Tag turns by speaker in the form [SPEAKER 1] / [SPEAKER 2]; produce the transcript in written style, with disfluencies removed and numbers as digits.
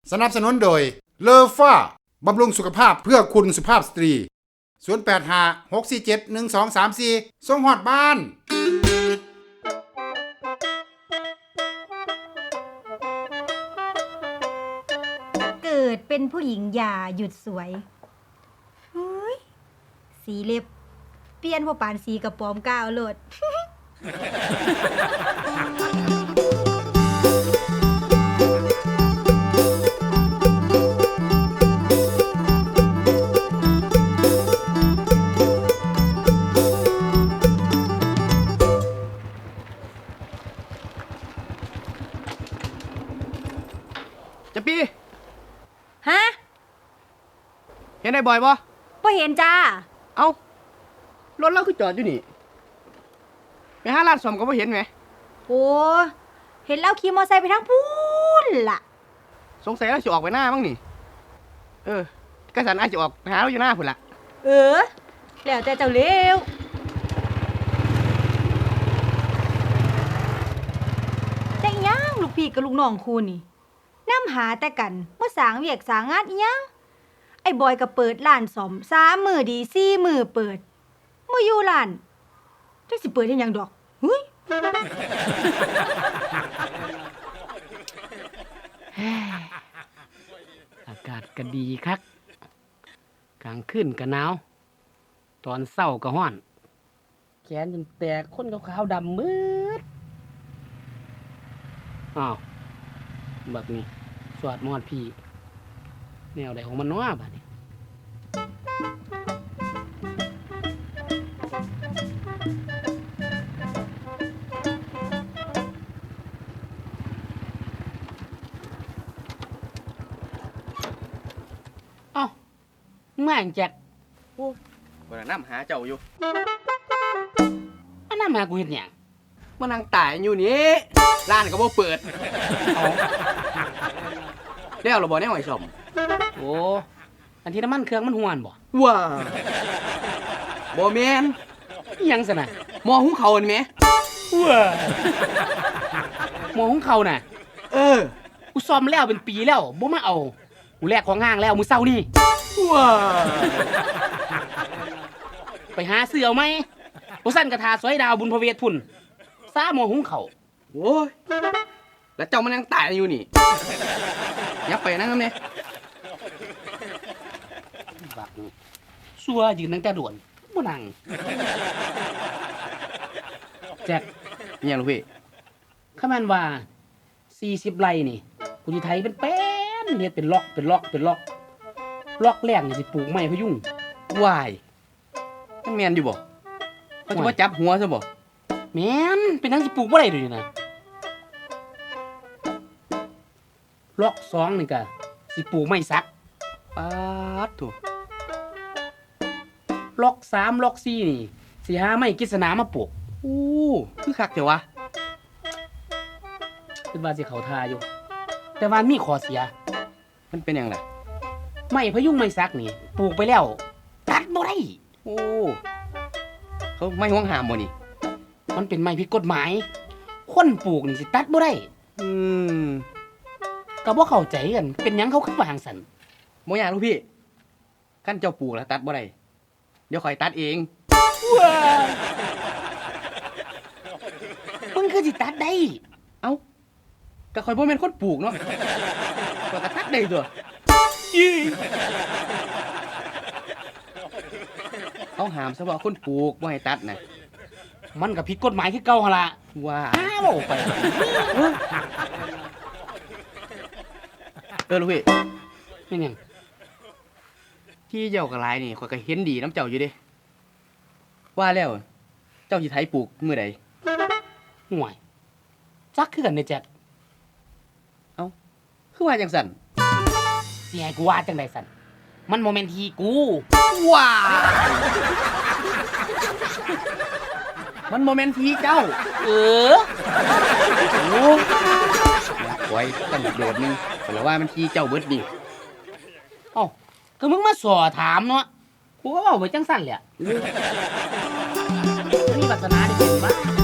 [SPEAKER 1] สนับสนุนโดยเลอฟ้าบำรุงสุขภาพเพื่อคุณสุภาพสตรี0856471234ส่งฮอดบ้าน
[SPEAKER 2] เกิดเป็นผู้หญิงอย่าหยุดสวยเฮ้ยสีเล็บเปลี่ยนพอปานสีกระป๋อมก้าวโลด
[SPEAKER 3] จะปี
[SPEAKER 2] ฮะ
[SPEAKER 3] เห็นได้บ่อยบ่
[SPEAKER 2] บ่เห็นจ้า
[SPEAKER 3] เอ้ารถเราคือจอดอยู่นี่ไปหาร้านซ่อมก็บ่เห็นไหม
[SPEAKER 2] โอ้เห็นแล้วขี่มอเตอร์ไซค์ไปทางพูนล่ะ
[SPEAKER 3] สงสัยเราสิออกไปหน้ามั้งนี่กระสันอาจจะออกไปหาเราอยู่หน้าพุ่นล่ะ
[SPEAKER 2] แล้วแต่เจ้าเร็วแต่อีหยังลูกพี่กับลูกน้องคูนี่นำหาแต่กันบ่สร้างเวียกสร้างงานอีหยังไอ้บอยก็เปิดร้านซ่อม3 มื้อดี4 มื้อเปิดบ่อยู่ร้านจักสิเปิดเฮ็ดหยังดอกเฮ้ย
[SPEAKER 4] อากาศก็ดีคักกลางคืนก็หนาวตอนเช้าก็ร้อนแขนจนแตกคนขาวๆดำมืดอ้าวบักนี้สวดมอดพี่แนวใดของมันน้อบัดนี้เอ้าแม่งแจ็ค
[SPEAKER 3] บ่ได้นำหาเจ้าอยู่
[SPEAKER 4] อันนั้นมากูเฮ็ดหยัง
[SPEAKER 3] มานั่งตายอยู่นี่ร้านก็บ่เปิดแล้วเราบ่แน่ไว้ซ่อม
[SPEAKER 4] โอ้อันที่น้ำมันเครื่องมันหวนบ่
[SPEAKER 3] ว้าบ่แม่น
[SPEAKER 4] อิหยังซะน่ะ
[SPEAKER 3] หม้อหุงข้าวนี่แหม
[SPEAKER 4] ว้าหมอของเขาน่ะ กูซ่อมแล้วเป็นปีแล้วบ่มาเอากูแลกของห้างแล้วมื้อเช้านี่
[SPEAKER 3] ว้า
[SPEAKER 4] ไปหาซื้อเอาไหมบ่ซั่นกระทาซอยดาวบุญพระเวทพุ่นซ่าหมอหุงเขาว
[SPEAKER 3] โอ้ยแล้วเจ้ามันยังตายอยู่นี่อย่าไปนั่งนำแน่
[SPEAKER 4] บักนี่ซัวยืนตั้งแต่โดวนบ่นั่งแจ็ค
[SPEAKER 3] อิหยังลูกพี่
[SPEAKER 4] คำแม่นว่า40ไร่นี่กูสิไถเป็นแป้นเฮ็ดเป็นล็อกล็อกแรกนี่สิปลูกไม้พะยุง
[SPEAKER 3] วายมันแม่นอยู่บ่เขาจะมาจับหัวซะบ่
[SPEAKER 4] แม่นเป็นทั้งสิปลูกบ่ได้ด้วยนี่นะล็อก2นี่ก็สิปลูกไม้สัก
[SPEAKER 3] ปาดโถ
[SPEAKER 4] ล็อก3ล็อก4นี่สิหาไม้กฤษณามาปลูก
[SPEAKER 3] อู้คือคักแต่วะ
[SPEAKER 4] คิดว่าสิเข้าท่าอยู่ แต่ว่ามีข้อเสีย
[SPEAKER 3] มันเป็นหยังล่ะ
[SPEAKER 4] ไม้พะยุงไม้สักนี่ปลูกไปแล้วตัดบ่ได้
[SPEAKER 3] โอ้เขาไม่ห่วงห้ามบ่นี่
[SPEAKER 4] มันเป็นไม้ผิดกฎหมาย คนปลูกนี่สิตัดบ่ได้
[SPEAKER 3] อืม
[SPEAKER 4] ก็บ่เข้าใจกันเป็นหยังเขาคือว่าจังซั่น
[SPEAKER 3] บ่ยากลูกพี่คันเจ้าปลูกแล้วตัดบ่ได้เดี๋ยวข่อยตัดเอง
[SPEAKER 4] มึงคือสิตัดได้
[SPEAKER 3] เอ้าก็ข่อยบ่แม่นคนปลูกเนาะข่อยก็ตัดได้ตัวเอาหามซะว่าคนปลูกบ่ให้ตัดน่ะ
[SPEAKER 4] มันก็ผิดกฎหมายคือเก่าหั่นล่ะ
[SPEAKER 3] ว่า
[SPEAKER 4] อ้าวไป
[SPEAKER 3] ลูกพี่
[SPEAKER 4] เป็นหยัง
[SPEAKER 3] ที่เจ้าก็หลายนี่ข่อยก็เห็นดีน้ำเจ้าอยู่เด้ว่าแล้วเจ้าสิไถปลูกมื้อใด
[SPEAKER 4] ห่วยจักคือกันเด้แจ็ค
[SPEAKER 3] คือว่าจังซั่น
[SPEAKER 4] สิให้กูว่าจังได๋ซั่นมันบ่แม่นที่กู
[SPEAKER 3] ว้ามันโมเมนต์ทีเจ้า
[SPEAKER 4] เออ
[SPEAKER 3] โอ้ไว้ตั้งโดดนึงแต่ว่ามันทีเจ้าเบิดดิ
[SPEAKER 4] เอ้าก็มึงมาสอถามเนาะกูก็เว้าไปจังซั่นแหละมีวาสนาได้เป็นบ้า